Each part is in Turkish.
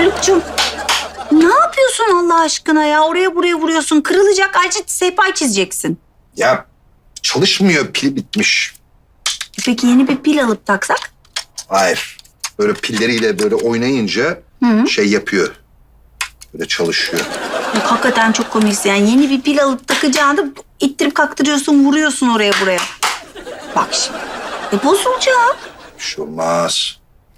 Haluk'cum ne yapıyorsun Allah aşkına ya? Oraya buraya vuruyorsun. Kırılacak. Ayrıca sehpa çizeceksin. Ya çalışmıyor, pili bitmiş. Peki yeni bir pil alıp taksak? Hayır. Böyle pilleriyle böyle oynayınca şey yapıyor. Böyle çalışıyor. Yok, hakikaten çok komiksin. Yani yeni bir pil alıp takacağını ittirip kaktırıyorsun, vuruyorsun oraya buraya. Bak şimdi. Bozulacak. Bir şey olmaz.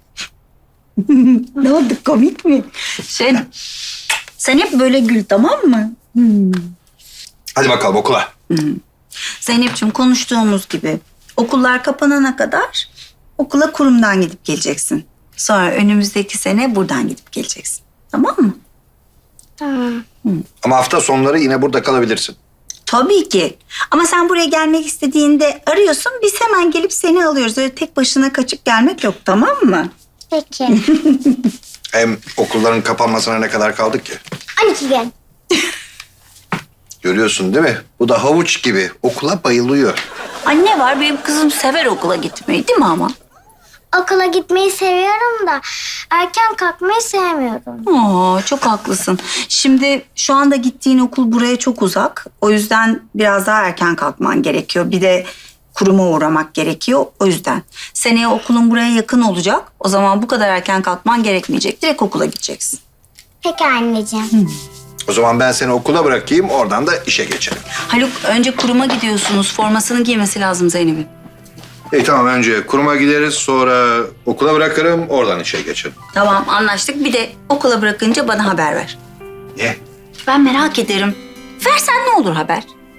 Ne oldu, komik mi? Sen hep böyle gül, tamam mı? Hadi bakalım okula. Zeynep'ciğim, konuştuğumuz gibi okullar kapanana kadar okula kurumdan gidip geleceksin. Sonra önümüzdeki sene buradan gidip geleceksin. Tamam mı? Tamam. Ama hafta sonları yine burada kalabilirsin. Tabii ki. Ama sen buraya gelmek istediğinde arıyorsun, biz hemen gelip seni alıyoruz. Öyle tek başına kaçıp gelmek yok, tamam mı? Peki. Hem okulların kapanmasına ne kadar kaldık ki? 12 gün. Görüyorsun değil mi? Bu da havuç gibi. Okula bayılıyor. Anne var, benim kızım sever okula gitmeyi, değil mi ama? Okula gitmeyi seviyorum da erken kalkmayı sevmiyorum. Çok haklısın. Şimdi şu anda gittiğin okul buraya çok uzak. O yüzden biraz daha erken kalkman gerekiyor. Bir de kuruma uğramak gerekiyor. O yüzden. Seneye okulun buraya yakın olacak. O zaman bu kadar erken kalkman gerekmeyecek. Direkt okula gideceksin. Peki anneciğim. O zaman ben seni okula bırakayım, oradan da işe geçelim. Haluk, önce kuruma gidiyorsunuz. Formasını giymesi lazım Zeynep'in. İyi tamam, önce kuruma gideriz, sonra okula bırakırım, oradan işe geçelim. Tamam, anlaştık. Bir de okula bırakınca bana haber ver. Niye? Ben merak ederim. Versen ne olur haber?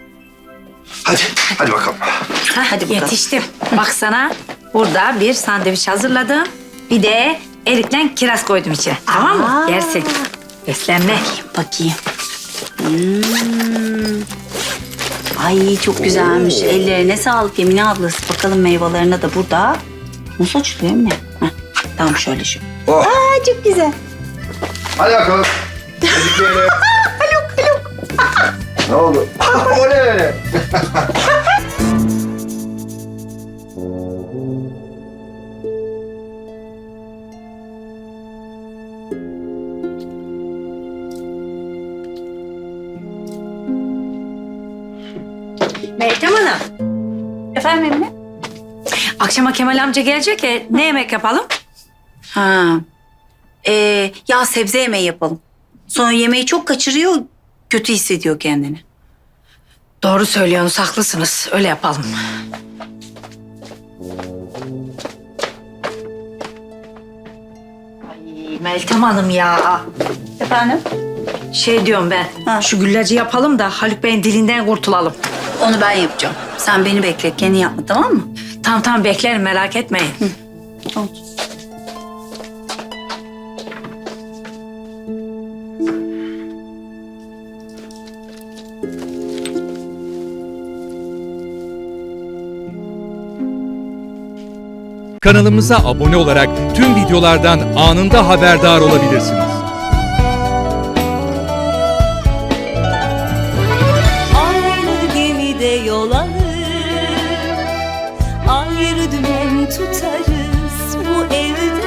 Hadi bakalım. Hadi bakalım. Yetiştim. Bak sana burada bir sandviç hazırladım. Bir de erikle kiraz koydum içine. Tamam mı? Aa. Yersin. Beslenme. Bakayım. Ay çok güzelmiş. Ellerine sağlık Emine ablası. Bakalım meyvelerine de burada. Nasıl açılıyor Emine? Heh, tamam şöyle şu. Oh. Aa çok güzel. Hadi bakalım. Haluk. Ne oldu? O ne öyle? Meltem Hanım. Efendim Emine? Akşama Kemal amca gelecek ya. Ne yemek yapalım? Ha. Ya sebze yemeği yapalım. Sonra yemeği çok kaçırıyor, kötü hissediyor kendini. Doğru söylüyorsunuz. Haklısınız. Öyle yapalım. Ay Meltem Hanım ya. Efendim? Şey diyorum ben. Ha. Şu güllacı yapalım da Haluk Bey'in dilinden kurtulalım. Onu ben yapacağım. Sen beni bekle, kendin yapma, tamam mı? Tamam beklerim, merak etmeyin. Oldu. Kanalımıza abone olarak tüm videolardan anında haberdar olabilirsiniz. Aynı gemide yol alır, ayrı dümen tutarız bu evde.